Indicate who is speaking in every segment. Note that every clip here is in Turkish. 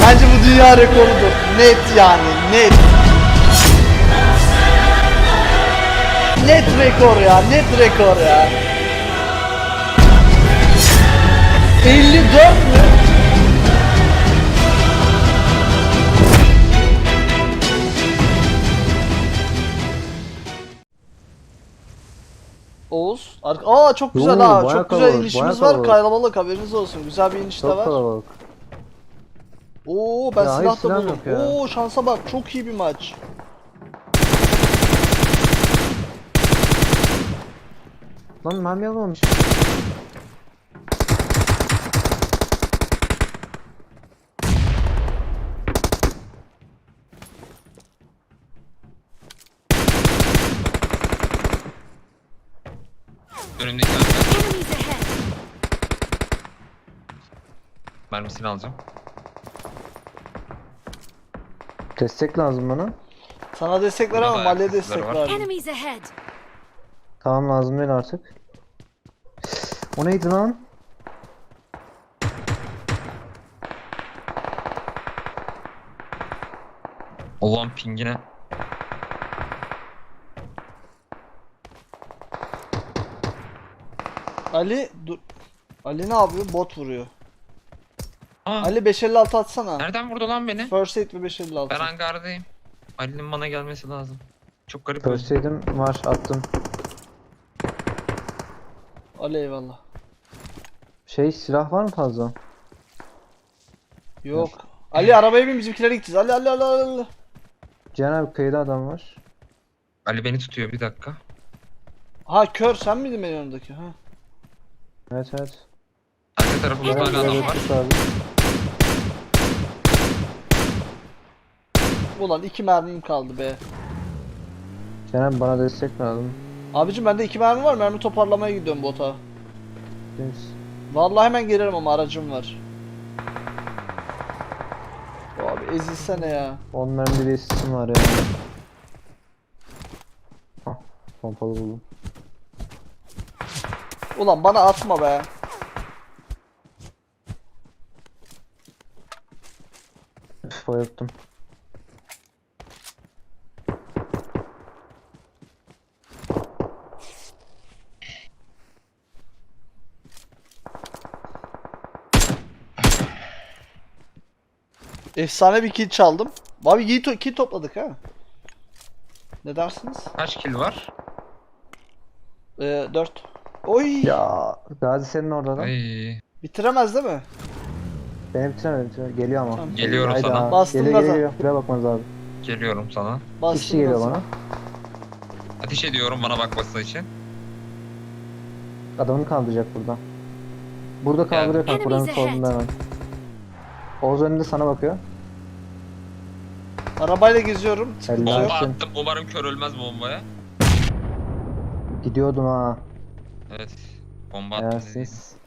Speaker 1: Bence bu dünya rekorudur. Net yani, net. Net rekor ya, net rekor ya. 54 mü? Oğuz. Aa çok güzel
Speaker 2: Oo,
Speaker 1: ha.
Speaker 2: bayağı
Speaker 1: Çok güzel
Speaker 2: kalabalık,
Speaker 1: inişimiz
Speaker 2: bayağı
Speaker 1: var.
Speaker 2: kalabalık.
Speaker 1: Kalabalık, haberiniz olsun. Güzel bir iniş de
Speaker 2: Çok
Speaker 1: var.
Speaker 2: kalabalık.
Speaker 1: Oo ben
Speaker 2: Ya, hayır,
Speaker 1: silah da
Speaker 2: silah
Speaker 1: buldum.
Speaker 2: yok ya.
Speaker 1: Oo şansa bak. Çok iyi bir maç.
Speaker 2: Lan mermi almamış.
Speaker 3: Önümdeki hangar.
Speaker 4: Enemies ahead!
Speaker 3: Mermisini alacağım.
Speaker 2: Destek lazım bana.
Speaker 1: Sana destek
Speaker 3: Burada
Speaker 1: veremem.
Speaker 3: da
Speaker 1: Ali'ye
Speaker 3: ayak sesleri
Speaker 1: destek
Speaker 3: var.
Speaker 1: ver.
Speaker 4: Enemies ahead!
Speaker 2: Tamam, lazım değil artık. O neydi lan?
Speaker 3: Allah'ın pingine.
Speaker 1: Ali dur. Ali ne yapıyor? Bot vuruyor.
Speaker 3: Aa,
Speaker 1: Ali 556 atsana.
Speaker 3: nereden vurdu lan beni?
Speaker 1: First aid ve 556.
Speaker 3: Ben hangardayım. Ali'nin bana gelmesi lazım. Çok garip
Speaker 2: First
Speaker 3: oldu.
Speaker 2: aid'im var, attım.
Speaker 1: Ali eyvallah.
Speaker 2: Silah var mı fazla?
Speaker 1: Yok. Ali arabaya bin, bizimkilere gideceğiz. Ali.
Speaker 2: Cihan abi, kıyıda adam var.
Speaker 3: Ali beni tutuyor, bir dakika.
Speaker 1: Ha kör, sen miydin benim yanımdaki? Ha.
Speaker 2: Evet evet.
Speaker 3: Arka tarafımızda hala adam var.
Speaker 2: Tut abi.
Speaker 1: Ulan 2 mermim kaldı be.
Speaker 2: Cihan abi, bana destek lazım.
Speaker 1: Abicim bende 2 mermi var. Mermi toparlamaya gidiyorum bota.
Speaker 2: Biz.
Speaker 1: Vallahi hemen gelirim ama aracım var. Abi ezilsene ya.
Speaker 2: 10 mermi bir assistim var ya. Hah, pompalı buldum.
Speaker 1: Ulan bana atma be.
Speaker 2: Üf, bayılttım.
Speaker 1: Efsane bir kill çaldım. Abi iyi kill topladık ha. Ne dersiniz?
Speaker 3: Kaç kill var?
Speaker 1: 4. Oy.
Speaker 2: Ya Gazi senin orada da.
Speaker 3: Ay.
Speaker 1: Bitiremez değil mi?
Speaker 2: Beni bitiremedi. Geliyor ama.
Speaker 1: Tamam.
Speaker 3: Geliyorum
Speaker 2: Hayda.
Speaker 3: sana.
Speaker 1: Bastım
Speaker 2: Geliyor
Speaker 1: gaza.
Speaker 2: geliyor. Buraya bakmanız abi.
Speaker 3: Geliyorum sana.
Speaker 2: İki kişi geliyor bana.
Speaker 3: Ateş ediyorum bana bakması için.
Speaker 2: Adamını kaldıracak burada. Burada kaldırıyor kanka. Buranın
Speaker 4: Enemies ahead.
Speaker 2: solunda hemen. Oğuz önünde sana bakıyor.
Speaker 1: Arabayla geziyorum. Sıkıntı
Speaker 2: Helal.
Speaker 1: yok.
Speaker 3: Bomba
Speaker 2: Gelsin.
Speaker 3: attım. Umarım kör ölmez bombaya.
Speaker 2: Gidiyordum ha.
Speaker 3: Evet. Bomba attım dediğim.
Speaker 2: Yersiz.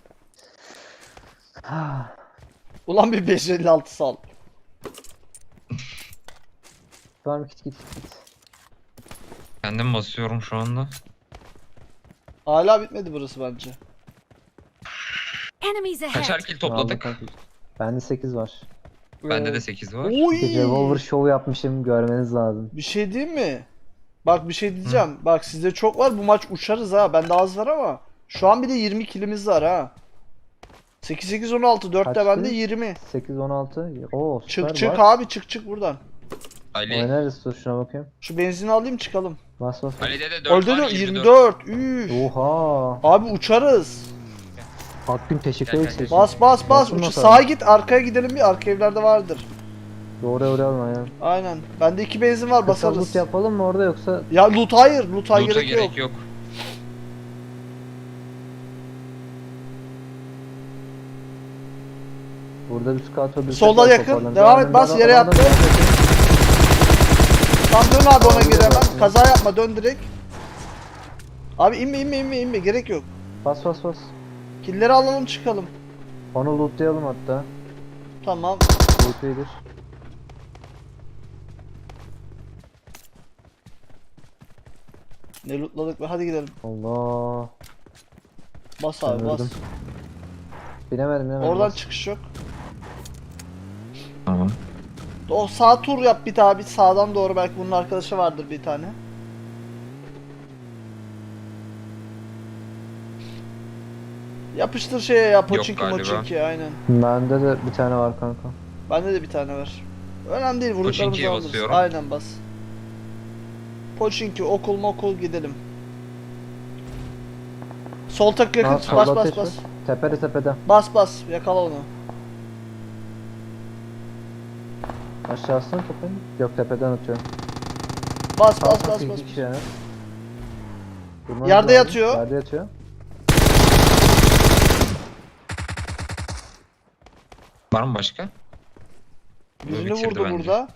Speaker 1: Ulan bir 556 sal.
Speaker 2: Var mı? Git.
Speaker 3: Kendim basıyorum şu anda.
Speaker 1: Hala bitmedi burası bence.
Speaker 4: Enemies
Speaker 3: Kaçar
Speaker 4: ahead!
Speaker 3: kill topladık?
Speaker 2: Bende 8 var.
Speaker 3: Bende de 8 var.
Speaker 1: Oy.
Speaker 2: Bir revolver show yapmışım, görmeniz lazım.
Speaker 1: Bir şey diyeyim mi? Bak bir şey diyeceğim. Bak sizde çok var. Bu maç uçarız ha. Bende az var ama. Şu an bir de 20 kilimiz var ha. 8-8-16. 4 de
Speaker 2: Kaçtı?
Speaker 1: bende 20.
Speaker 2: 8 16. Oo, süper.
Speaker 1: Çık
Speaker 2: bas.
Speaker 1: abi çık buradan.
Speaker 3: Ali.
Speaker 2: Oynarız, dur şuna bakayım.
Speaker 1: Şu benzini alayım çıkalım.
Speaker 2: Bas.
Speaker 3: Ali'de de 4
Speaker 1: Öldü
Speaker 3: var.
Speaker 1: de
Speaker 3: 24.
Speaker 1: 24. Üf.
Speaker 2: Oha.
Speaker 1: Abi uçarız.
Speaker 2: Hakkın teşekkür
Speaker 3: Gel,
Speaker 2: ederiz.
Speaker 1: Bas.
Speaker 2: Basın
Speaker 1: Uç,
Speaker 2: bakalım.
Speaker 1: sağa git, arkaya gidelim bir. Arka evlerde vardır.
Speaker 2: Doğru alma ya.
Speaker 1: Aynen. Bende 2 benzin var,
Speaker 2: Kısa
Speaker 1: basarız.
Speaker 2: loot yapalım mı orada yoksa?
Speaker 1: Ya loot hayır. Loot'a
Speaker 3: Loot'a
Speaker 1: gerek yok.
Speaker 3: yok.
Speaker 2: Burada bir scout ödülü.
Speaker 1: Solda yakın. Devam et, bas, yere yattı. Tam dön abi ona göre hemen. Kaza yapma, dön direkt. Abi inme gerek yok.
Speaker 2: Bas.
Speaker 1: Killleri alalım çıkalım.
Speaker 2: Onu lootlayalım hatta.
Speaker 1: Tamam.
Speaker 2: Loot iyidir.
Speaker 1: Ne lootladık be, hadi gidelim.
Speaker 2: Allah.
Speaker 1: Bas abi bas.
Speaker 2: Öldüm. Binemedim.
Speaker 1: Oradan
Speaker 2: bas.
Speaker 1: çıkış yok.
Speaker 3: Tamam.
Speaker 1: O sağ tur yap bir daha, bir sağdan doğru, belki bunun arkadaşı vardır bir tane. Yapıştır şeye ya, Pochinki
Speaker 3: galiba.
Speaker 1: Mochinki, aynen.
Speaker 2: Bende de bir tane var kanka.
Speaker 1: Bende de bir tane var. Önemli değil, vurduklarımızı
Speaker 3: Pochinki'ye
Speaker 1: alırız.
Speaker 3: basıyorum.
Speaker 1: Aynen bas. Pochinki, okul mokul gidelim. Sol tak yakın,
Speaker 2: Ha,
Speaker 1: bas
Speaker 2: solda
Speaker 1: bas
Speaker 2: ateş var.
Speaker 1: bas.
Speaker 2: Tepede.
Speaker 1: Bas bas, yakala onu.
Speaker 2: Aşağısına tepede. Yok tepeden atıyorum.
Speaker 1: Bas bas
Speaker 2: Sağ
Speaker 1: bas
Speaker 2: tarafı
Speaker 1: bas.
Speaker 2: iki kişi yani. Durmanız
Speaker 1: Yerde
Speaker 2: lazım.
Speaker 1: yatıyor.
Speaker 2: Yerde yatıyor.
Speaker 3: Var mı başka?
Speaker 1: Birini
Speaker 3: bitirdi
Speaker 1: vurdu
Speaker 3: bence.
Speaker 1: burada.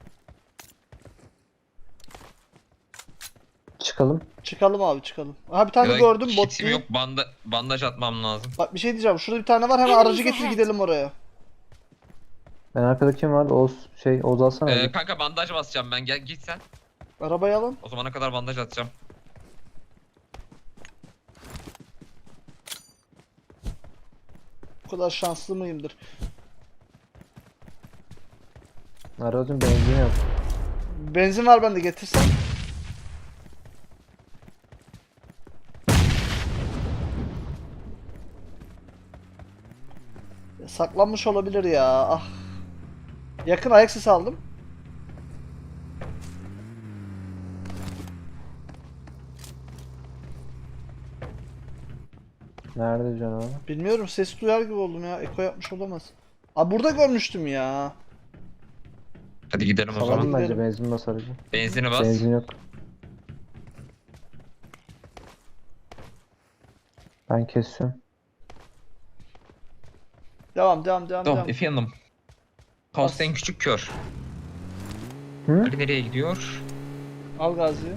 Speaker 2: Çıkalım.
Speaker 1: Çıkalım abi, çıkalım. Aha bir tane
Speaker 3: Ya da
Speaker 1: gördüm, bot
Speaker 3: kitim
Speaker 1: değil.
Speaker 3: yok, bandaj atmam lazım.
Speaker 1: Bak bir şey diyeceğim, şurada bir tane var, hemen aracı getir gidelim oraya.
Speaker 2: Ben arkada kim var? Oğuz alsana. bir.
Speaker 3: Kanka bandaj basacağım ben, gel git sen.
Speaker 1: Arabayı alın.
Speaker 3: O zamana kadar bandaj atacağım.
Speaker 1: Bu kadar şanslı mıyımdır?
Speaker 2: Aracın benzini yok.
Speaker 1: Benzin var bende, getirsen. Saklanmış olabilir ya. Ah. Yakın ayak sesi aldım.
Speaker 2: Nerede canavar?
Speaker 1: Bilmiyorum, ses duyar gibi oldum ya. Eko yapmış olamaz. Aa, burada görmüştüm ya.
Speaker 3: Hadi gidelim o
Speaker 1: Salalım
Speaker 3: zaman.
Speaker 2: Salalım bence,
Speaker 1: gidelim.
Speaker 2: benzin bas aracı.
Speaker 3: Benzini bas.
Speaker 2: Benzin yok. Ben kesiyorum.
Speaker 1: Devam.
Speaker 3: Tamam efendim. Kaos'ta en küçük kör.
Speaker 2: Hı?
Speaker 3: Ali nereye gidiyor?
Speaker 1: Al Gazi'yi.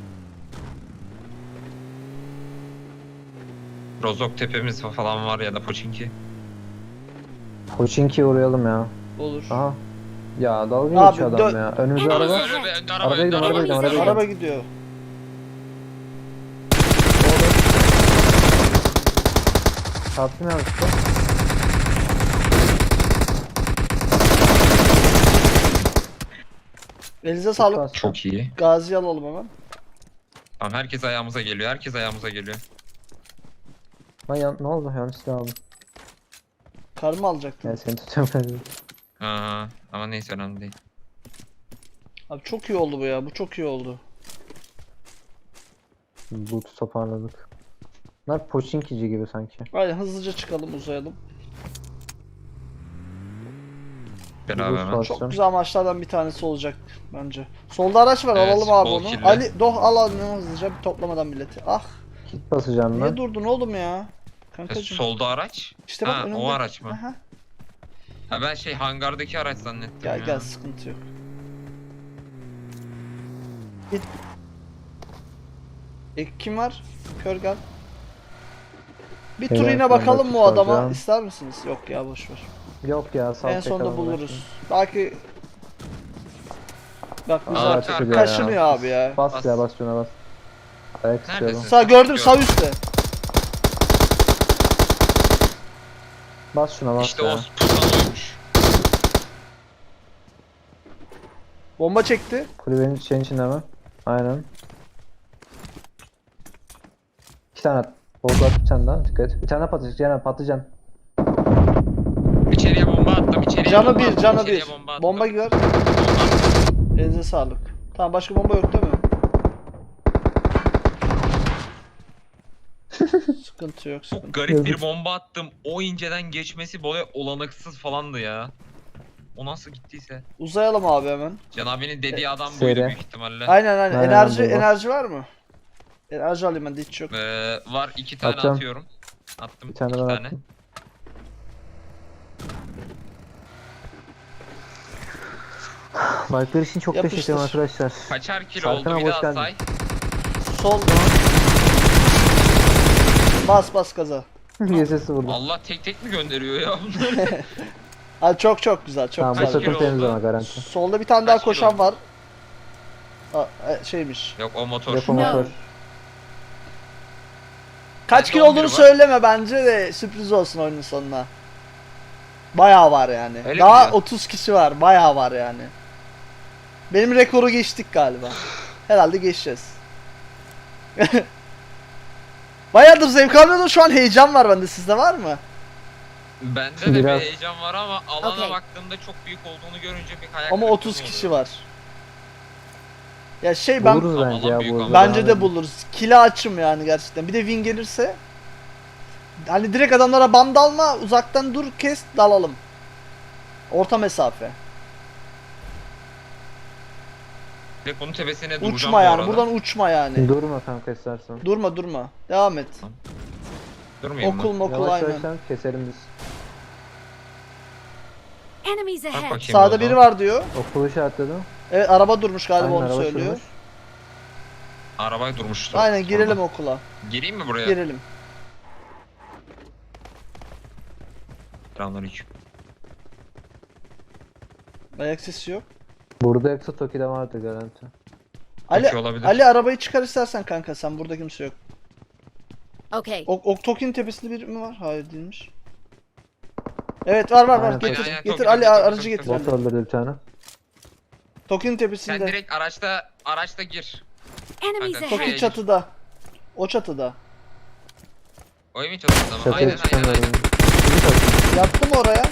Speaker 3: Rozok tepemiz falan var ya da Pochinki.
Speaker 2: Pochinki'ye uğrayalım ya.
Speaker 1: Olur.
Speaker 2: Aha. Ya dalga
Speaker 1: Abi,
Speaker 2: geçiyor adam ya. Önümüzde araba.
Speaker 3: Önde
Speaker 2: Arabaya gidelim, arabaya gidelim, arabaya gidelim.
Speaker 1: Araba gidiyor.
Speaker 2: Çarptım yanlışlıkla.
Speaker 1: Elinize sağlık.
Speaker 2: Bastım.
Speaker 3: Çok iyi.
Speaker 1: Gazi'yi alalım hemen.
Speaker 3: Tamam, herkes ayağımıza geliyor. Herkes ayağımıza geliyor.
Speaker 2: Ne oldu? Yanlış silah aldım.
Speaker 1: Karımı alacaktım.
Speaker 2: Yani seni tutuyorum.
Speaker 3: Ha, ama neyse önemli değil.
Speaker 1: Abi çok iyi oldu bu ya. Bu çok iyi oldu.
Speaker 2: Boot'u toparladık. Bunlar Pochinki'ci gibi sanki.
Speaker 1: Aynen, hızlıca çıkalım, uzayalım.
Speaker 3: Beraber hemen.
Speaker 2: Boost
Speaker 1: Çok
Speaker 2: basacağım.
Speaker 1: güzel maçlardan bir tanesi olacak bence. Solda araç var,
Speaker 3: Evet,
Speaker 1: alalım abi
Speaker 3: bol
Speaker 1: onu.
Speaker 3: kirli.
Speaker 1: Ali doh al hızlıca, bir toplamadan milleti. Ah,
Speaker 2: Kit basacağım
Speaker 1: niye
Speaker 2: ben.
Speaker 1: durdun oğlum ya? Kankacım.
Speaker 3: Solda araç.
Speaker 1: İşte bak
Speaker 3: Ha,
Speaker 1: önümde.
Speaker 3: o araç mı?
Speaker 1: Aha.
Speaker 3: Ha, ben hangardaki araç zannettim
Speaker 1: Gel
Speaker 3: ya.
Speaker 1: gel, sıkıntı yok. Git. Kim var? Kör gel. Bir tur
Speaker 2: Evet,
Speaker 1: yine
Speaker 2: ben de
Speaker 1: bakalım mı o adama?
Speaker 2: tutacağım.
Speaker 1: İster misiniz? Yok ya, boş ver.
Speaker 2: Yok ya, sağ
Speaker 1: En sonunda buluruz. Belki bak
Speaker 3: Aa,
Speaker 1: güzel
Speaker 3: arka, arka.
Speaker 1: kaşınıyor abi ya.
Speaker 2: Bas
Speaker 3: Bas.
Speaker 2: ya, bas şuna bas. Ayak istiyorum.
Speaker 3: Neredesin?
Speaker 1: Sağ gördüm, sağ üstte.
Speaker 2: Bas şuna bas
Speaker 3: İşte
Speaker 2: ya.
Speaker 3: o pusan oymuş.
Speaker 1: Bomba çekti.
Speaker 2: Kulübenin içinde mi? Aynen. 2 tane at. Bozdu at, bir tane daha. Dikkat et. Bir tane patlayacak. Caner patlıcan.
Speaker 3: İçeriye bomba attım. İçeriye
Speaker 1: Canı
Speaker 3: bomba
Speaker 1: bir,
Speaker 3: attım,
Speaker 1: canı
Speaker 3: içeriye
Speaker 1: bir.
Speaker 3: Bomba, attım.
Speaker 1: Bomba gör.
Speaker 3: Bomba attım.
Speaker 1: Elinize sağlık. Tamam, başka bomba yok değil mi? Sıkıntı yok, sıkıntı.
Speaker 3: Çok garip bir bomba attım. O inceden geçmesi böyle olanaksız falandı ya. O nasıl gittiyse.
Speaker 1: Uzayalım abi hemen.
Speaker 3: Can abinin dediği adam buydu
Speaker 2: Seri.
Speaker 3: büyük ihtimalle.
Speaker 1: Aynen.
Speaker 2: Aynen,
Speaker 1: Enerji
Speaker 2: bomba.
Speaker 1: enerji var mı? Enerji alayım ben de, hiç yok.
Speaker 3: Var 2 tane
Speaker 2: Atıyorum.
Speaker 3: atıyorum. Attım
Speaker 2: Bir tane
Speaker 3: 2
Speaker 2: ben
Speaker 3: tane.
Speaker 2: attım. Like'lar için çok
Speaker 1: Yapıştır.
Speaker 2: teşekkür ederim arkadaşlar.
Speaker 3: Kaçar kilo
Speaker 2: Serkan
Speaker 3: oldu
Speaker 2: abi,
Speaker 3: bir
Speaker 2: hoş
Speaker 3: daha
Speaker 2: geldin.
Speaker 3: say.
Speaker 1: Sol. Bas gaza.
Speaker 2: Yesesi vurdu.
Speaker 3: Allah tek tek mi gönderiyor ya bunlar?
Speaker 1: Ha, çok güzel, çok
Speaker 2: Tamam, bu
Speaker 3: Kaç
Speaker 1: güzel.
Speaker 3: kilo
Speaker 2: sefer temiz
Speaker 3: oldu?
Speaker 2: ama garanti.
Speaker 1: Solda bir tane daha
Speaker 3: Kaç kilo
Speaker 1: koşan
Speaker 3: oldu?
Speaker 1: var. Şeymiş.
Speaker 3: Yok o motor.
Speaker 2: Depo motor.
Speaker 1: Kaç
Speaker 3: Bende
Speaker 1: kilo
Speaker 3: 11
Speaker 1: olduğunu
Speaker 3: var.
Speaker 1: söyleme bence de, sürpriz olsun oyunun sonuna. Bayağı var yani.
Speaker 3: Öyle
Speaker 1: Daha
Speaker 3: mi ya?
Speaker 1: 30 kişi var. Bayağı var yani. Benim rekoru geçtik galiba. Herhalde geçeceğiz. Bayağıdır zevk almıyordum. Şu an heyecan var bende. Sizde var mı?
Speaker 3: Bende de bir
Speaker 2: Biraz.
Speaker 3: heyecan var ama alana
Speaker 4: Okey.
Speaker 3: baktığımda çok büyük olduğunu görünce bir hayal
Speaker 1: Ama
Speaker 3: kırıklığı
Speaker 1: 30
Speaker 3: oluyor.
Speaker 1: kişi var. Ya şey ben
Speaker 2: Buluruz bence ya
Speaker 3: büyük
Speaker 2: bu.
Speaker 3: ama.
Speaker 1: bence de buluruz. Kila açım yani gerçekten. Bir de win gelirse hani direkt adamlara bam dalma, uzaktan dur, kes, dalalım. Orta mesafe.
Speaker 3: Direkt bunun tepesine duracağım
Speaker 1: Uçma
Speaker 3: bu
Speaker 1: yani.
Speaker 3: arada.
Speaker 1: Buradan uçma yani.
Speaker 2: Durma kanka istersen.
Speaker 1: Durma durma. Devam et.
Speaker 3: Durmayayım
Speaker 1: Okul
Speaker 3: mı?
Speaker 1: mokul
Speaker 2: Yavaş
Speaker 1: aynen.
Speaker 2: yavaş keselim biz.
Speaker 4: Enemies
Speaker 3: Bak
Speaker 4: ahead.
Speaker 3: bakayım
Speaker 1: Sağda
Speaker 3: orada.
Speaker 1: biri var diyor.
Speaker 2: Okulu işaretledim.
Speaker 1: Evet araba durmuş galiba
Speaker 2: Aynen,
Speaker 1: onu
Speaker 2: araba
Speaker 1: söylüyor.
Speaker 2: sürmüş.
Speaker 3: Arabaya durmuştu.
Speaker 1: Aynen girelim
Speaker 3: Sonra.
Speaker 1: okula.
Speaker 3: Gireyim mi buraya?
Speaker 1: Girelim.
Speaker 3: Selamünaleyküm.
Speaker 1: Ayak sesi yok.
Speaker 2: Burada yoksa Toki'de vardı garanti.
Speaker 1: Ali
Speaker 3: olabilir.
Speaker 1: Ali arabayı çıkar istersen kanka sen burada kimse yok.
Speaker 4: Okay.
Speaker 1: Toki'nin tepesinde biri mi var? Hayır değilmiş. Evet var
Speaker 2: Aynen,
Speaker 1: getir.
Speaker 3: aynen,
Speaker 1: Getir
Speaker 3: Toki'de,
Speaker 1: Ali
Speaker 3: Toki'de,
Speaker 1: aracı
Speaker 3: Toki'de.
Speaker 1: getir
Speaker 2: Bot
Speaker 1: Ali.
Speaker 2: öldürdü bir tane.
Speaker 1: Toki'nin
Speaker 3: Sen
Speaker 1: tepesinde.
Speaker 3: direkt araçta gir.
Speaker 4: Enemies
Speaker 3: Kanka,
Speaker 4: ahead.
Speaker 1: Toki çatıda. O çatıda.
Speaker 3: O evin çatısında mı?
Speaker 2: Çatıya
Speaker 3: Aynen aynen
Speaker 2: çıkamıyorum.
Speaker 3: aynen.
Speaker 1: Yattı mı oraya?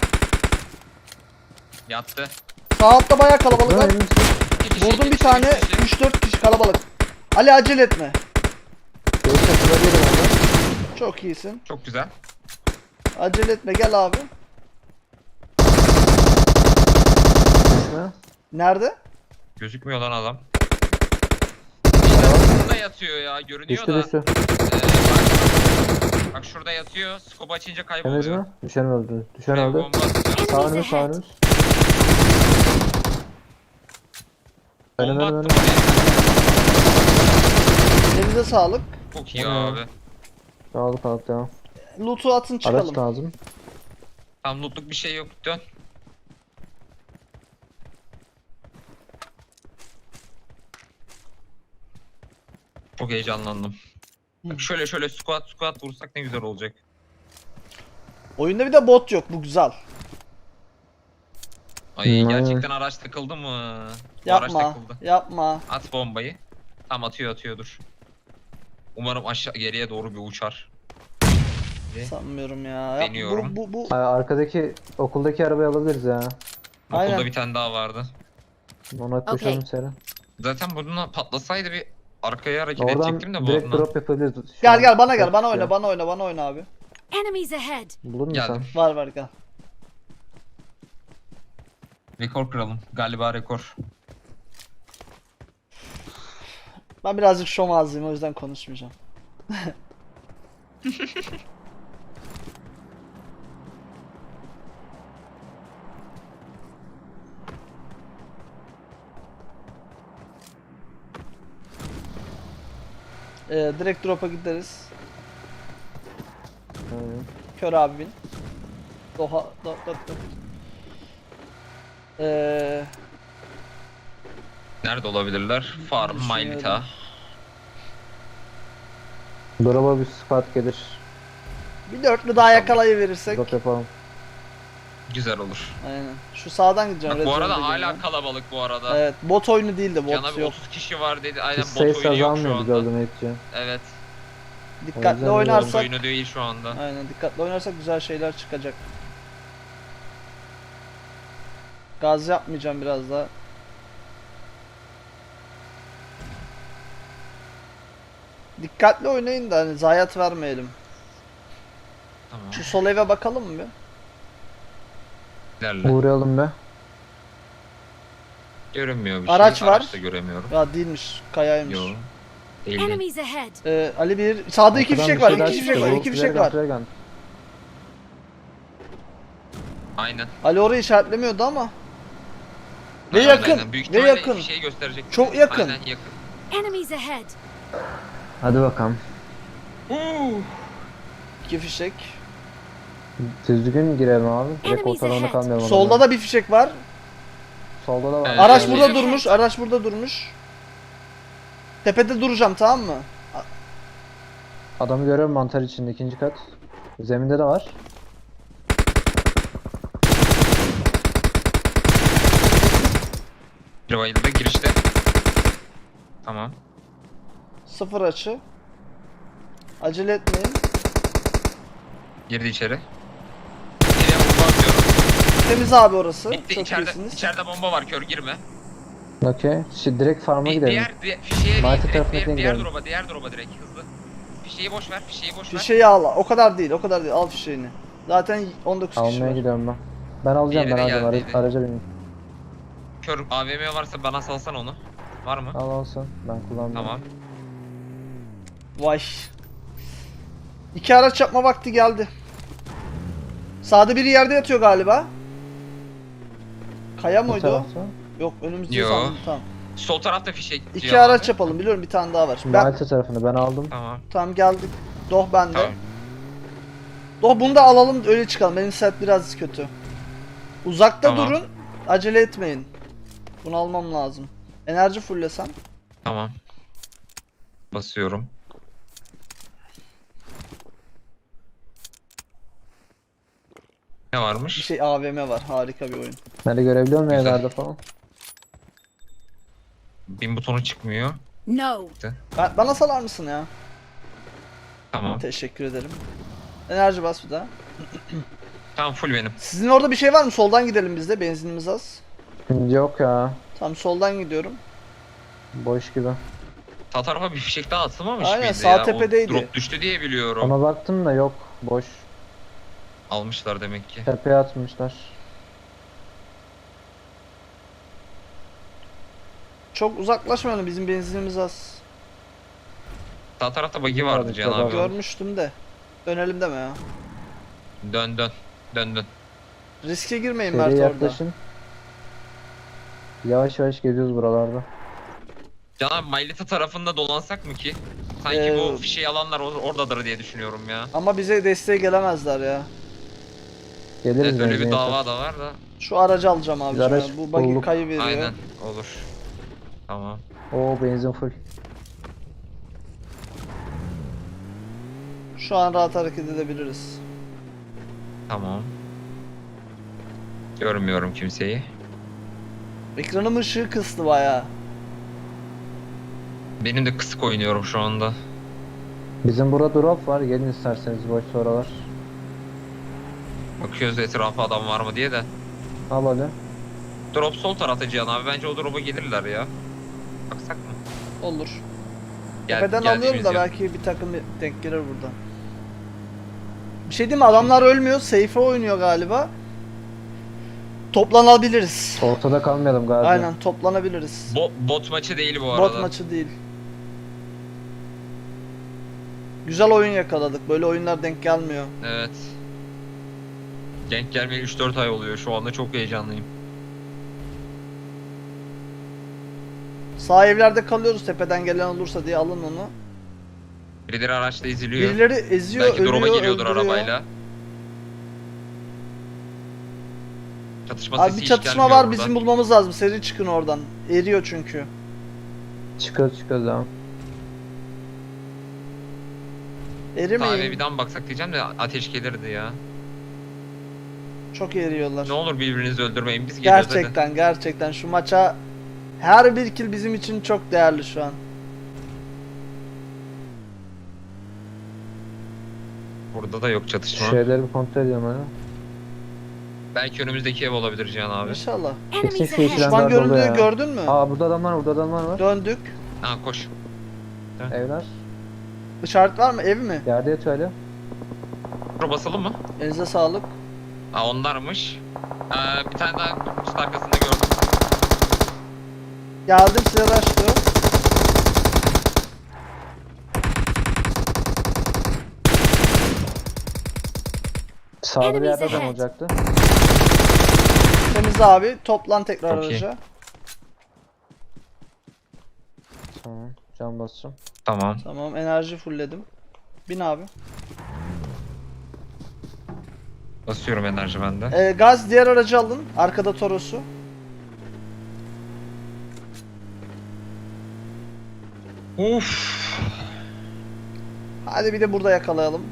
Speaker 3: Yattı.
Speaker 1: Sağ altta bayağı kalabalık var.
Speaker 3: İki kişi,
Speaker 1: Vurdum
Speaker 3: iki
Speaker 1: bir
Speaker 3: kişi,
Speaker 1: tane.
Speaker 3: iki kişi.
Speaker 1: 3-4 kişi kalabalık. Ali acele etme.
Speaker 2: Göğüs çatıda değilim orada.
Speaker 1: Çok iyisin.
Speaker 3: Çok güzel.
Speaker 1: Acele etme gel abi.
Speaker 2: Ne?
Speaker 1: Nerede?
Speaker 3: Gözükmüyor lan adam. Şurada yatıyor ya. Görünüyor
Speaker 2: Düştü
Speaker 3: da.
Speaker 2: düştü.
Speaker 3: Bak şurada yatıyor. Scope açınca
Speaker 2: Temiz
Speaker 3: kayboluyor.
Speaker 2: mi? Düşen öldü. Düşen
Speaker 3: Buraya
Speaker 2: öldü.
Speaker 3: bomba atacağım.
Speaker 2: Sağ önümüz sağ önümüz. Önüm
Speaker 3: Bomba
Speaker 2: önüm
Speaker 3: attım
Speaker 2: önüm.
Speaker 3: oraya.
Speaker 1: Elinize sağlık.
Speaker 3: Çok iyi
Speaker 2: Hı.
Speaker 3: abi.
Speaker 2: Sağlık sağlık devam.
Speaker 1: Loot'u atın
Speaker 2: Araç
Speaker 1: çıkalım.
Speaker 2: lazım.
Speaker 3: Tam lootluk bir şey yok. Dön. Çok heyecanlandım. Bak şöyle squat vursak ne güzel olacak.
Speaker 1: Oyunda bir de bot yok. Bu güzel.
Speaker 3: Ay
Speaker 2: Hmm,
Speaker 3: gerçekten araç takıldı mı? Bu araç
Speaker 1: Yapma.
Speaker 3: takıldı.
Speaker 1: Yapma.
Speaker 3: At bombayı. Tam atıyor dur. Umarım aşağı geriye doğru bir uçar.
Speaker 1: Sanmıyorum ya.
Speaker 3: Deniyorum.
Speaker 1: Bu.
Speaker 2: Arkadaki okuldaki arabayı alabiliriz ya.
Speaker 1: Aynen.
Speaker 3: Okulda bir tane daha vardı.
Speaker 2: Ona koşalım
Speaker 4: Okey.
Speaker 2: seri.
Speaker 3: Zaten bununla patlasaydı bir arkaya hareket
Speaker 2: Oradan
Speaker 3: edecektim de
Speaker 2: direkt
Speaker 3: bununla.
Speaker 2: drop yapabiliriz. Şu
Speaker 1: Gel
Speaker 2: an
Speaker 1: gel bana gel.
Speaker 2: çok
Speaker 1: Bana
Speaker 2: istiyor.
Speaker 1: oyna bana oyna abi.
Speaker 4: Enemies ahead.
Speaker 2: Bulur musun
Speaker 3: Geldim.
Speaker 2: sen?
Speaker 1: Var gel.
Speaker 3: Rekor kıralım. Galiba rekor.
Speaker 1: Ben birazcık şom ağzıyım o yüzden konuşmayacağım. Direkt drop'a gideriz.
Speaker 2: Aynen.
Speaker 1: Kör abi bin. Doha. Do.
Speaker 3: Nerede olabilirler? Farm,
Speaker 1: Düşünüyorum.
Speaker 3: Mailita.
Speaker 2: Drop'a bir squad gelir.
Speaker 1: Bir dörtlü daha yakalayıverirsek.
Speaker 2: Drop yapalım.
Speaker 3: Güzel olur.
Speaker 1: Aynen. Şu sağdan gideceğim.
Speaker 3: Bak bu
Speaker 1: red
Speaker 3: arada
Speaker 1: zone'da
Speaker 3: hala
Speaker 1: geliyorum.
Speaker 3: kalabalık bu arada.
Speaker 1: Evet, bot oyunu değil de
Speaker 3: Cana
Speaker 1: bot
Speaker 3: bir
Speaker 1: yok.
Speaker 3: 30 kişi var dedi. Aynen
Speaker 2: Biz
Speaker 3: bot
Speaker 2: sayısı
Speaker 3: oyunu yok şu
Speaker 2: azalmıyordu
Speaker 3: anda.
Speaker 2: gördüm Etçi.
Speaker 3: Evet.
Speaker 1: Dikkatli
Speaker 2: O yüzden
Speaker 3: Bot
Speaker 1: oynarsak.
Speaker 3: oyunu değil şu anda.
Speaker 1: Aynen dikkatli oynarsak güzel şeyler çıkacak. Gaz yapmayacağım biraz daha. Dikkatli oynayın da hani zayiat vermeyelim.
Speaker 3: Tamam.
Speaker 1: Şu sol eve bakalım mı bir?
Speaker 3: İlerle.
Speaker 2: Uğrayalım be.
Speaker 3: Görünmüyor bir
Speaker 1: Araç
Speaker 3: şey.
Speaker 1: var.
Speaker 3: Araç da göremiyorum.
Speaker 1: Ya değilmiş, kayaymış.
Speaker 3: Yo. Değil değil.
Speaker 4: Enemies ahead.
Speaker 1: Ali bir sağda iki
Speaker 2: Arkadan
Speaker 1: fişek
Speaker 2: bir
Speaker 1: var,
Speaker 2: şeyler
Speaker 1: iki fişek
Speaker 2: çıktı.
Speaker 1: var,
Speaker 2: Bu
Speaker 1: iki fişek var.
Speaker 2: Flare
Speaker 3: Aynen.
Speaker 1: Ali orayı işaretlemiyordu ama. Ve
Speaker 3: Aynen,
Speaker 1: yakın,
Speaker 3: aynen. Büyük
Speaker 1: ve
Speaker 3: ihtimalle
Speaker 1: yakın.
Speaker 3: Şeyi gösterecek.
Speaker 1: Çok yakın.
Speaker 3: Aynen yakın.
Speaker 4: Enemies ahead.
Speaker 2: Hadi bakalım.
Speaker 1: İki fişek.
Speaker 2: Düzgün girelim abi. Direkt
Speaker 4: Enemies
Speaker 2: ortalığında
Speaker 4: ahead.
Speaker 2: kalmayalım.
Speaker 1: Solda
Speaker 2: adamların.
Speaker 1: da bir fişek var.
Speaker 2: Solda da var.
Speaker 3: Evet.
Speaker 1: Araç
Speaker 3: Evet.
Speaker 1: burada
Speaker 4: Evet.
Speaker 1: durmuş, araç burada durmuş. Tepede duracağım tamam mı?
Speaker 2: Adamı görüyorum mantar içinde ikinci kat. Zeminde de var.
Speaker 3: Bir bayıldı girişte. Tamam.
Speaker 1: Sıfır açı. Acele etmeyin.
Speaker 3: Girdi içeri. İçeriye bomba atıyorum.
Speaker 1: Temiz abi orası.
Speaker 3: Bitti,
Speaker 1: Çok
Speaker 3: içeride,
Speaker 1: iyisiniz.
Speaker 3: içeride bomba var, kör girme.
Speaker 2: Okey. Şimdi direkt farm'a gidelim.
Speaker 3: Fişeğe değil,
Speaker 2: Market
Speaker 3: direkt
Speaker 2: tarafına
Speaker 3: diğer
Speaker 2: gidelim.
Speaker 3: drop'a direkt hızlı. Fişeği boş ver, fişeği boş ver.
Speaker 1: Fişeği al. O kadar değil. O kadar değil. Al fişeğini. Zaten 19 kişi
Speaker 2: Almaya
Speaker 1: var.
Speaker 2: gidiyorum ben. Ben alacağım,
Speaker 3: Diğeri
Speaker 2: ben
Speaker 3: de
Speaker 2: alacağım.
Speaker 3: geldiydi.
Speaker 2: Araca bineyim.
Speaker 3: Kör AVM varsa bana salsan onu. Var mı?
Speaker 2: Al alsın. Ben kullanmıyorum.
Speaker 3: Tamam.
Speaker 1: Vay. İki araç yapma vakti geldi. Sağda biri yerde yatıyor galiba. Kaya
Speaker 2: Bu
Speaker 1: mıydı o?
Speaker 2: tarafta.
Speaker 1: Yok önümüzde
Speaker 3: Yo.
Speaker 1: sandım. Tamam.
Speaker 3: Sol tarafta fişek.
Speaker 1: İki
Speaker 3: Cihan
Speaker 1: araç
Speaker 3: abi.
Speaker 1: yapalım. Biliyorum bir tane daha var.
Speaker 2: Şimdi
Speaker 1: Ben
Speaker 2: Malta tarafını ben aldım.
Speaker 3: Tamam.
Speaker 1: tamam geldik. Doh bende.
Speaker 3: Tamam.
Speaker 1: Doh bunu da alalım öyle çıkalım. Benim set biraz kötü. Uzakta
Speaker 3: Tamam.
Speaker 1: durun. Acele etmeyin. Bunu almam lazım. Enerji fullesem.
Speaker 3: Tamam. Basıyorum. Ne
Speaker 1: Bir
Speaker 3: varmış?
Speaker 1: şey AVM var. Harika bir oyun.
Speaker 2: Nerede görebiliyor muyum
Speaker 3: Güzel.
Speaker 2: evlerde falan?
Speaker 3: Bin butonu çıkmıyor.
Speaker 4: No.
Speaker 1: Bana salar mısın ya?
Speaker 3: Tamam.
Speaker 1: Teşekkür ederim. Enerji bas bir daha.
Speaker 3: Tamam, full benim.
Speaker 1: Sizin orada bir şey var mı? Soldan gidelim biz de. Benzinimiz az.
Speaker 2: Yok ya.
Speaker 1: Tamam soldan gidiyorum.
Speaker 2: Boş gibi.
Speaker 3: Sağ tarafa bir fişek daha atılmamış
Speaker 1: Aynen,
Speaker 3: mıydı
Speaker 1: sağ
Speaker 3: ya?
Speaker 1: tepedeydi.
Speaker 3: O drop düştü diye biliyorum.
Speaker 2: Ona baktım da yok. Boş.
Speaker 3: Almışlar demek ki.
Speaker 2: Tepeye atmışlar.
Speaker 1: Çok uzaklaşmayalım. Bizim benzinimiz az.
Speaker 3: Sağ tarafta buggy vardı
Speaker 2: Vardı,
Speaker 3: Cihan
Speaker 2: tabii.
Speaker 3: abi.
Speaker 1: Görmüştüm de. Dönelim deme ya.
Speaker 3: Dön dön. Dön dön.
Speaker 1: Riske girmeyin Mert
Speaker 2: Seriye
Speaker 1: orada.
Speaker 2: yaklaşın. Yavaş yavaş geziyoruz buralarda.
Speaker 3: Cihan abi Maylita tarafında dolansak mı ki? Sanki bu fişeği alanlar oradadır diye düşünüyorum ya.
Speaker 1: Ama bize desteğe gelemezler ya.
Speaker 2: Geliriz
Speaker 3: Evet, öyle bir
Speaker 2: benzin
Speaker 3: dava
Speaker 2: yeter.
Speaker 3: da var da.
Speaker 1: Şu aracı alacağım abi.
Speaker 2: Biz araç
Speaker 1: Bu buggy
Speaker 2: bulduk.
Speaker 1: kayı veriyor.
Speaker 3: Aynen, olur. Tamam.
Speaker 2: Oo, benzin full.
Speaker 1: Şu an rahat hareket edebiliriz.
Speaker 3: Tamam. Görmüyorum kimseyi.
Speaker 1: Ekranım ışığı kıstı bayağı.
Speaker 3: Benim de kısık oynuyorum şu anda.
Speaker 2: Bizim burada drop var. Gelin isterseniz boş oralar.
Speaker 3: Bakıyoruz etrafa adam var mı diye de.
Speaker 2: Al hadi.
Speaker 3: Drop sol tarafta Cihan abi. Bence o drop'a gelirler ya. Baksak mı?
Speaker 1: Olur.
Speaker 3: Gel,
Speaker 1: Tepeden
Speaker 3: gel
Speaker 1: alıyorum da
Speaker 3: işimiz yok.
Speaker 1: belki bir takım denk gelir buradan. Bir şey diyeyim mi? Adamlar ölmüyor. Safe'e oynuyor galiba. Toplanabiliriz.
Speaker 2: Ortada kalmayalım galiba.
Speaker 1: Aynen toplanabiliriz.
Speaker 3: Bot maçı değil bu arada.
Speaker 1: Bot maçı değil. Güzel oyun yakaladık. Böyle oyunlar denk gelmiyor.
Speaker 3: Evet. Denk gelmeye 3-4 ay oluyor. Şu anda çok heyecanlıyım.
Speaker 1: Sağ evlerde kalıyoruz tepeden gelen olursa diye alın onu.
Speaker 3: Birileri araçta eziliyor.
Speaker 1: Birileri eziyor,
Speaker 3: Belki drop'a
Speaker 1: ölüyor,
Speaker 3: geliyordur
Speaker 1: öldürüyor.
Speaker 3: arabayla. Çatışma
Speaker 1: Abi
Speaker 3: sesi
Speaker 1: bir
Speaker 3: hiç
Speaker 1: çatışma
Speaker 3: gelmiyor
Speaker 1: var
Speaker 3: buradan.
Speaker 1: bizim bulmamız lazım. Seri çıkın oradan. Eriyor çünkü.
Speaker 2: Çıkıyoruz devam.
Speaker 1: Erimeyin.
Speaker 3: Sahibe bir daha mı baksak diyeceğim de ateş gelirdi ya.
Speaker 1: Çok eriyorlar.
Speaker 3: Ne olur birbirinizi öldürmeyin. Biz geliyoruz hadi.
Speaker 1: Gerçekten şu maça her bir kill bizim için çok değerli şu an.
Speaker 3: Burada da yok çatışma.
Speaker 2: Şeyleri bir kontrol ediyorum hadi.
Speaker 3: Belki önümüzdeki ev olabilir Cihan abi.
Speaker 1: İnşallah.
Speaker 4: Enemies
Speaker 2: Kesin
Speaker 4: ahead.
Speaker 2: şu
Speaker 1: Düşman
Speaker 2: Frenler dolu
Speaker 1: görüldüğü
Speaker 2: ya.
Speaker 1: gördün mü?
Speaker 2: Aa, burada adamlar var, burada adamlar var.
Speaker 1: Döndük.
Speaker 3: Ha koş.
Speaker 2: Evler.
Speaker 1: İşaret var mı? Ev mi?
Speaker 2: Yerde yatıyor hala.
Speaker 3: Şuraya basalım mı?
Speaker 1: Elinize sağlık.
Speaker 3: Ha onlarmış. Bir tane daha kutu arkasında gördüm.
Speaker 1: Geldim size başlıyor.
Speaker 2: Sağda bir
Speaker 4: Enemies
Speaker 2: yerde adam
Speaker 4: ahead.
Speaker 2: olacaktı.
Speaker 1: Temiz abi. Toplan tekrar
Speaker 3: Çok iyi.
Speaker 1: araca.
Speaker 2: Tamam. Can basacağım.
Speaker 3: Tamam.
Speaker 1: Tamam enerji fullledim. Bin abi.
Speaker 3: Basıyorum enerji bende.
Speaker 1: Gaz diğer aracı alın. Arkada Toros'u.
Speaker 3: Uf.
Speaker 1: Hadi bir de burada yakalayalım.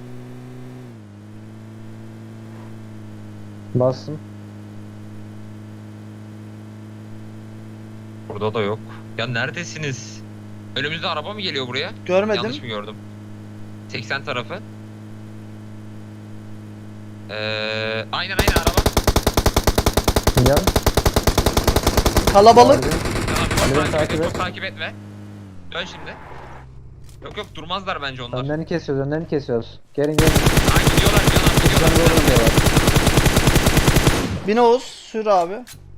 Speaker 2: Bastım.
Speaker 3: Burada da yok. Ya neredesiniz? Önümüzde araba mı geliyor buraya?
Speaker 1: Görmedim.
Speaker 3: Yanlış mı gördüm? 80 tarafı. Aynen araba.
Speaker 2: Gel.
Speaker 1: Kalabalık.
Speaker 3: Tamam,
Speaker 2: Ali
Speaker 3: çok
Speaker 2: beni
Speaker 3: takip,
Speaker 2: takip
Speaker 3: et,
Speaker 2: et.
Speaker 3: çok takip etme. Dön şimdi. Yok durmazlar bence onlar.
Speaker 2: Önlerini kesiyoruz, önlerini kesiyoruz. Gelin gelin.
Speaker 3: Ay gidiyorlar
Speaker 2: Bizden
Speaker 3: gidiyorlar.
Speaker 2: doğru gidiyorlar.
Speaker 1: Bin Oğuz sür abi.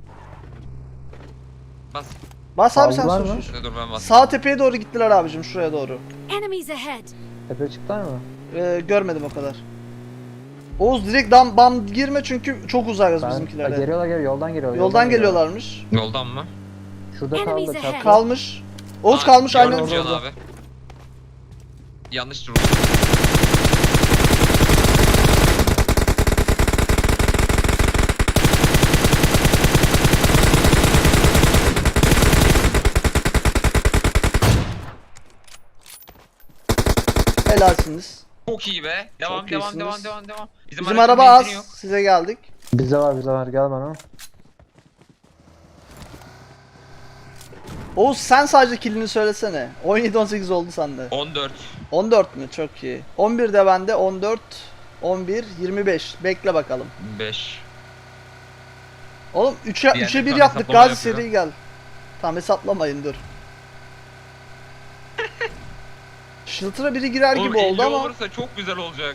Speaker 3: Bas.
Speaker 1: Bas abi sen
Speaker 2: Aldılar
Speaker 1: sür
Speaker 2: mı?
Speaker 1: sür.
Speaker 3: Dur ben bas.
Speaker 1: Sağ tepeye doğru gittiler abicim, şuraya doğru.
Speaker 4: Enemies ahead.
Speaker 2: Tepe çıktılar mı?
Speaker 1: Görmedim o kadar. Oğuz direkt bam girme çünkü çok uzakız
Speaker 2: Ben,
Speaker 1: bizimkilere.
Speaker 2: geliyorlar yoldan geliyorlar.
Speaker 1: Yoldan geliyorlarmış.
Speaker 3: Yoldan mı?
Speaker 2: Şurada
Speaker 4: Enemies
Speaker 2: kaldı
Speaker 4: ahead.
Speaker 2: çapraz.
Speaker 1: Kalmış. Oğuz
Speaker 3: Aa,
Speaker 1: kalmış
Speaker 3: gördüm
Speaker 1: aynen.
Speaker 3: Cihan
Speaker 2: orada.
Speaker 3: abi. Yanlış durdu.
Speaker 1: Helalsiniz.
Speaker 3: Çok iyi be. Devam
Speaker 1: Çok
Speaker 3: devam
Speaker 1: iyisiniz.
Speaker 3: devam.
Speaker 1: Bizim
Speaker 3: aracın
Speaker 1: araba
Speaker 3: benzini
Speaker 1: az.
Speaker 3: yok.
Speaker 1: Size geldik.
Speaker 2: Bizde var gel bana.
Speaker 1: Oğuz sen sadece killini söylesene. 17-18 oldu sende.
Speaker 3: 14.
Speaker 1: 14 mü? Çok iyi. 11 de bende. 14, 11, 25. Bekle bakalım.
Speaker 3: 5.
Speaker 1: Oğlum
Speaker 3: Diğerleri
Speaker 1: 3'e 1
Speaker 3: tam
Speaker 1: yaptık.
Speaker 3: hesaplama
Speaker 1: Gazi
Speaker 3: yapıyor.
Speaker 1: seri gel. Tamam hesaplamayın dur. Shelter'a biri girer
Speaker 3: Oğlum
Speaker 1: gibi
Speaker 3: 50
Speaker 1: oldu ama.
Speaker 3: olursa çok güzel olacak.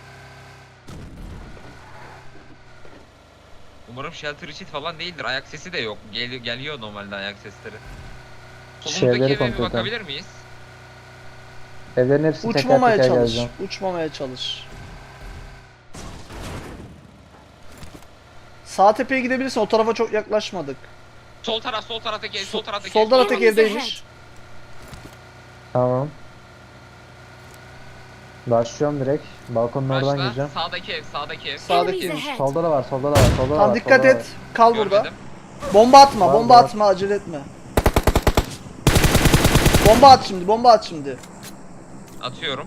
Speaker 3: Umarım shelter içi falan değildir. Ayak sesi de yok. Geliyor normalde ayak sesleri. Solumuzdaki
Speaker 2: Şeyleri
Speaker 3: eve bir
Speaker 2: kontrol edelim.
Speaker 3: bakabilir miyiz?
Speaker 2: Evlerin hepsini teker
Speaker 1: Uçmamaya
Speaker 2: teker
Speaker 1: çalış.
Speaker 2: gezeceğim.
Speaker 1: Uçmamaya çalış. Sağ tepeye gidebilirsin. O tarafa çok yaklaşmadık.
Speaker 3: Sol taraftaki ev, sol taraftaki
Speaker 1: Sol
Speaker 3: ev.
Speaker 1: taraftaki
Speaker 4: Enemies
Speaker 1: evdeymiş.
Speaker 2: Tamam. Başlıyorum direkt. Balkonun oradan
Speaker 3: Başla.
Speaker 2: gireceğim.
Speaker 3: Sağdaki ev.
Speaker 1: Sağdaki
Speaker 4: Enemies
Speaker 1: evmiş.
Speaker 4: ahead.
Speaker 2: Solda da var, solda da var, solda da
Speaker 1: Tamam
Speaker 2: var.
Speaker 1: dikkat
Speaker 2: solda da
Speaker 1: et. Kal burada.
Speaker 3: Görmedim.
Speaker 1: Bomba atma,
Speaker 2: Var,
Speaker 1: bomba
Speaker 2: var.
Speaker 1: atma, acele etme. Bomba at şimdi, bomba at şimdi.
Speaker 3: Atıyorum.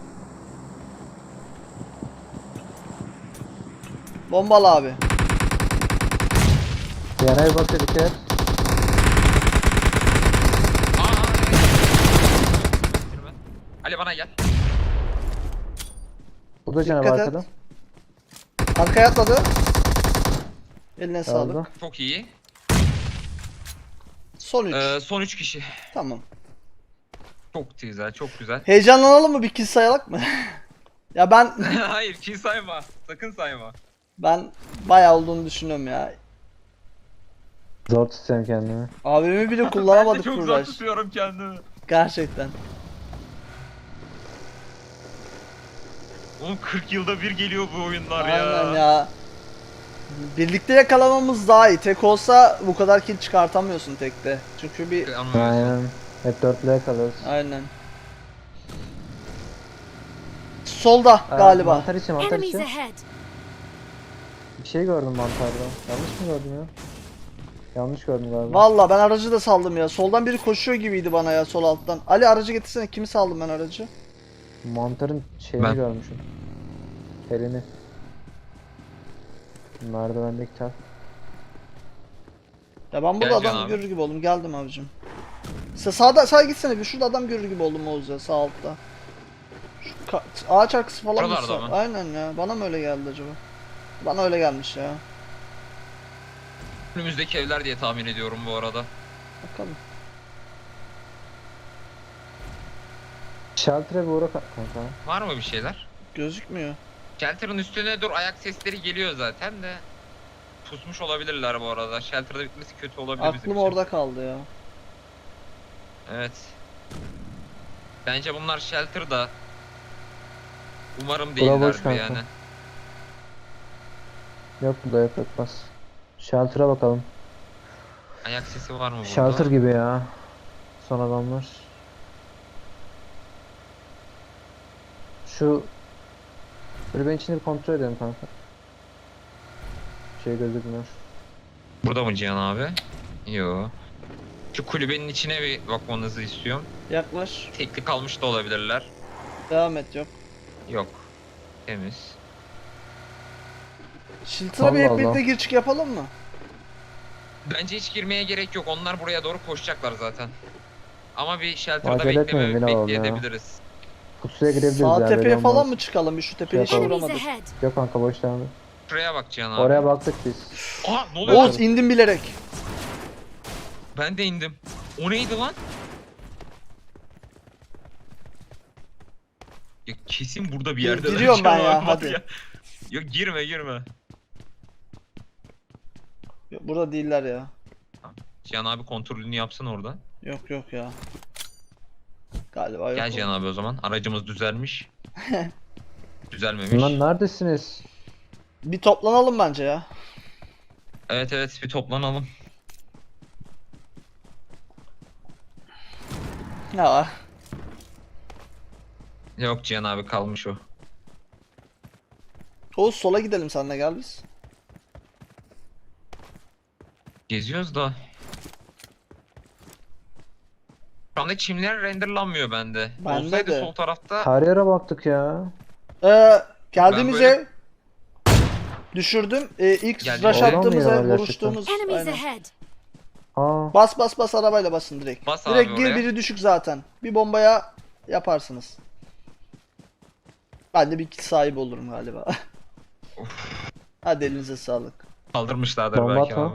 Speaker 1: Bombalı abi.
Speaker 2: Var. Yana bir bakıyor, dikkat et.
Speaker 3: Bitirme. Ali bana gel.
Speaker 2: Bu da canavar
Speaker 1: Dikkat et.
Speaker 2: arkada.
Speaker 1: Arkaya atladı. Eline sağlık.
Speaker 2: Aldı.
Speaker 3: Çok iyi.
Speaker 1: Son 3.
Speaker 3: Son 3 kişi.
Speaker 1: Tamam.
Speaker 3: Çok güzel, çok güzel.
Speaker 1: Heyecanlanalım mı? Bir kill sayalım mı? Ya
Speaker 3: Hayır, kill sayma. Sakın sayma.
Speaker 1: ben bayağı olduğunu düşünüyorum ya.
Speaker 2: Zor tutuyorum kendimi.
Speaker 1: Abimi bile
Speaker 3: Ben de
Speaker 1: kullanamadık
Speaker 3: çok zor
Speaker 1: Kuraş.
Speaker 3: tutuyorum kendimi.
Speaker 1: Gerçekten.
Speaker 3: Oğlum 40 yılda bir geliyor bu oyunlar ya.
Speaker 1: Aynen ya. Birlikte yakalamamız daha iyi. Tek olsa bu kadar kill çıkartamıyorsun tekte. Çünkü bir...
Speaker 3: Anlamıyorsun.
Speaker 2: Aynen. Hep dörtlüye kalıyoruz.
Speaker 1: Aynen. Solda galiba.
Speaker 2: Mantar içi, mantar
Speaker 4: Enemies
Speaker 2: içi.
Speaker 4: ahead.
Speaker 2: Bir şey gördüm mantarda. Yanlış mı gördüm ya? Yanlış gördüm galiba.
Speaker 1: Valla ben aracı da saldım ya. Soldan biri koşuyor gibiydi bana ya, sol alttan. Ali aracı getirsene. Kimi saldım ben aracı?
Speaker 2: Mantarın şeyini
Speaker 3: Ben.
Speaker 2: görmüşüm. Elini. Merdivendeki tel.
Speaker 1: Ya ben burada
Speaker 3: Gel Can
Speaker 1: adam
Speaker 3: abi.
Speaker 1: görür gibi oldum. Geldim abicim. Sağda sağa gitsene bir. Şurada adam görür gibi oldum Oğuz ya, sağ altta. Şu ağaç arkası falan mı?
Speaker 3: Şuralarda mı?
Speaker 1: Aynen ya. Bana mı öyle geldi acaba? Bana öyle gelmiş ya.
Speaker 3: Önümüzdeki evler diye tahmin ediyorum bu arada.
Speaker 1: Bakalım.
Speaker 2: Shelter'e bir uğra kanka.
Speaker 3: Var mı bir şeyler?
Speaker 1: Gözükmüyor.
Speaker 3: Shelter'ın üstüne dur, ayak sesleri geliyor zaten de. Pusmuş olabilirler bu arada. Shelter'da bitmesi kötü olabilir bizim
Speaker 1: Aklım
Speaker 3: için.
Speaker 1: orada kaldı ya.
Speaker 3: Evet. Bence bunlar Shelter'da. Umarım
Speaker 2: boş
Speaker 3: değillerdir
Speaker 2: kanka.
Speaker 3: yani.
Speaker 2: Yok burada yok bas. Shelter'a bakalım.
Speaker 3: Ayak sesi var mı burada?
Speaker 2: Shelter gibi ya. Son adamlar. Şu kulübenin içini bir kontrol edelim kanka. Şey gözükmüyor.
Speaker 3: Burada mı Cihan abi? Yo. Şu kulübenin içine bir bakmanızı istiyorum.
Speaker 1: Yaklaş.
Speaker 3: Tekli kalmış da olabilirler.
Speaker 1: Devam et, yok.
Speaker 3: Yok. Temiz.
Speaker 1: Shelter'a bir
Speaker 2: Allah
Speaker 1: hep birlikte
Speaker 2: Allah.
Speaker 1: gir çık yapalım mı?
Speaker 3: Bence hiç girmeye gerek yok. Onlar buraya doğru koşacaklar zaten. Ama bir shelter'da
Speaker 2: Acele etmeyin, yine alalım ya.
Speaker 3: bekleyebiliriz.
Speaker 2: Pusuya girebiliriz
Speaker 1: Sağ
Speaker 2: ya,
Speaker 1: tepeye
Speaker 2: belli
Speaker 1: falan
Speaker 2: olmaz.
Speaker 1: mı çıkalım? Bir şu tepeyi hiç
Speaker 2: Yapalım.
Speaker 4: Enemies
Speaker 1: vuramadık.
Speaker 4: ahead.
Speaker 2: Yok kanka, boş devam et.
Speaker 3: Şuraya bak Cihan abi.
Speaker 2: Oraya baktık biz.
Speaker 3: Aha ne oluyor?
Speaker 1: Oğuz indim bilerek.
Speaker 3: Ben de indim. O neydi lan? Ya kesin burada bir yerde.
Speaker 1: Giriyorum ben ya,
Speaker 3: Cihan abi var
Speaker 1: hadi.
Speaker 3: Yok girme.
Speaker 1: Yok, burada değiller ya.
Speaker 3: Cihan abi kontrolünü yapsın orada.
Speaker 1: Yok ya. Galiba yok.
Speaker 3: Gel Cihan abi o zaman. Aracımız düzelmiş. Düzelmemiş.
Speaker 2: Lan neredesiniz?
Speaker 1: Bir toplanalım bence ya.
Speaker 3: Evet bir toplanalım.
Speaker 1: Ya.
Speaker 3: Yok Cihan abi kalmış o.
Speaker 1: Oğuz sola gidelim seninle, gel biz.
Speaker 3: Geziyoruz da. Şu anda çimler renderlanmıyor bende.
Speaker 1: Bende
Speaker 3: Olsaydı
Speaker 1: de.
Speaker 3: sol tarafta
Speaker 2: Her yere baktık ya.
Speaker 1: Geldiğimiz
Speaker 3: Ben böyle-
Speaker 1: ev düşürdüm. İlk
Speaker 3: Geldi.
Speaker 1: rush
Speaker 2: Oradan mı
Speaker 1: attığımız
Speaker 2: yiyorlar
Speaker 1: ev,
Speaker 2: gerçekten?
Speaker 1: vuruştuğumuz.
Speaker 4: Enemies
Speaker 1: Aynen.
Speaker 4: ahead.
Speaker 2: Aa,
Speaker 1: Bas arabayla basın direkt.
Speaker 3: Bas abi
Speaker 1: Direkt gir,
Speaker 3: oraya.
Speaker 1: biri düşük zaten. Bir bombaya yaparsınız. Ben de bir kill sahibi olurum galiba. Hadi elinize sağlık.
Speaker 3: kaldırmışlardır
Speaker 2: Bomba
Speaker 3: belki
Speaker 2: atma.
Speaker 3: abi.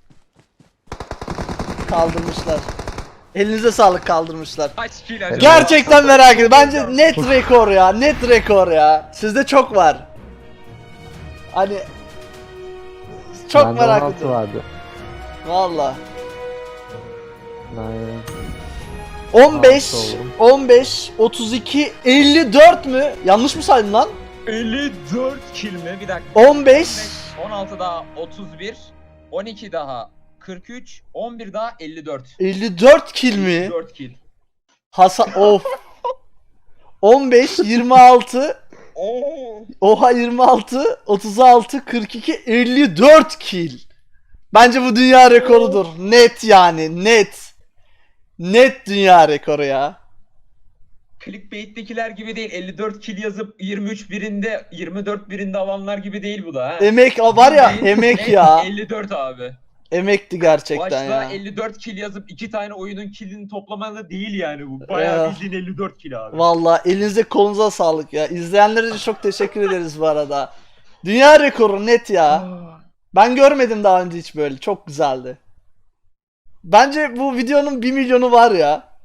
Speaker 1: Kaldırmışlar. Elinize sağlık, kaldırmışlar.
Speaker 3: Kaç kill acaba?
Speaker 1: Gerçekten merak ediyorum. Bence net rekor ya. Net rekor ya. Sizde çok var. Hani çok
Speaker 2: bende
Speaker 1: merak
Speaker 2: 16
Speaker 1: ediyorum.
Speaker 2: vardı.
Speaker 1: Valla.
Speaker 2: Aynen.
Speaker 1: 15,
Speaker 2: Altı oldum.
Speaker 1: 15, 32, 54 mü? Yanlış mı saydım lan?
Speaker 5: 54 kill mi? Bir dakika.
Speaker 1: 15,
Speaker 5: 16 daha 31, 12 daha 43, 11 daha 54.
Speaker 1: 54 kill mi?
Speaker 5: 54 kill.
Speaker 1: Hasan of. 15, 26,
Speaker 5: Oo.
Speaker 1: oha 26, 36, 42, 54 kill. Bence bu dünya rekorudur. Net yani, net. Net dünya rekoru ya.
Speaker 5: Clickbait'tekiler gibi değil. 54 kill yazıp 23 birinde, 24 birinde alanlar gibi değil bu da ha.
Speaker 1: Emek var ya,
Speaker 5: Net-
Speaker 1: emek
Speaker 5: net
Speaker 1: ya.
Speaker 5: 54 abi.
Speaker 1: Emekti gerçekten
Speaker 5: Başta
Speaker 1: ya.
Speaker 5: 54 kill yazıp 2 tane oyunun killini toplamalı değil yani bu.
Speaker 1: Ya.
Speaker 5: Bayağı bildiğin 54 kill abi.
Speaker 1: Vallahi elinize kolunuza sağlık ya. İzleyenlere de çok teşekkür ederiz bu arada. Dünya rekoru net ya. Ben görmedim daha önce hiç böyle. Çok güzeldi. Bence bu videonun 1 milyonu var ya.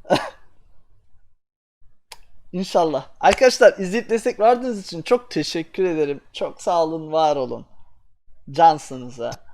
Speaker 1: İnşallah. Arkadaşlar izleyip destek verdiğiniz için çok teşekkür ederim. Çok sağ olun, var olun. Cansınız ha.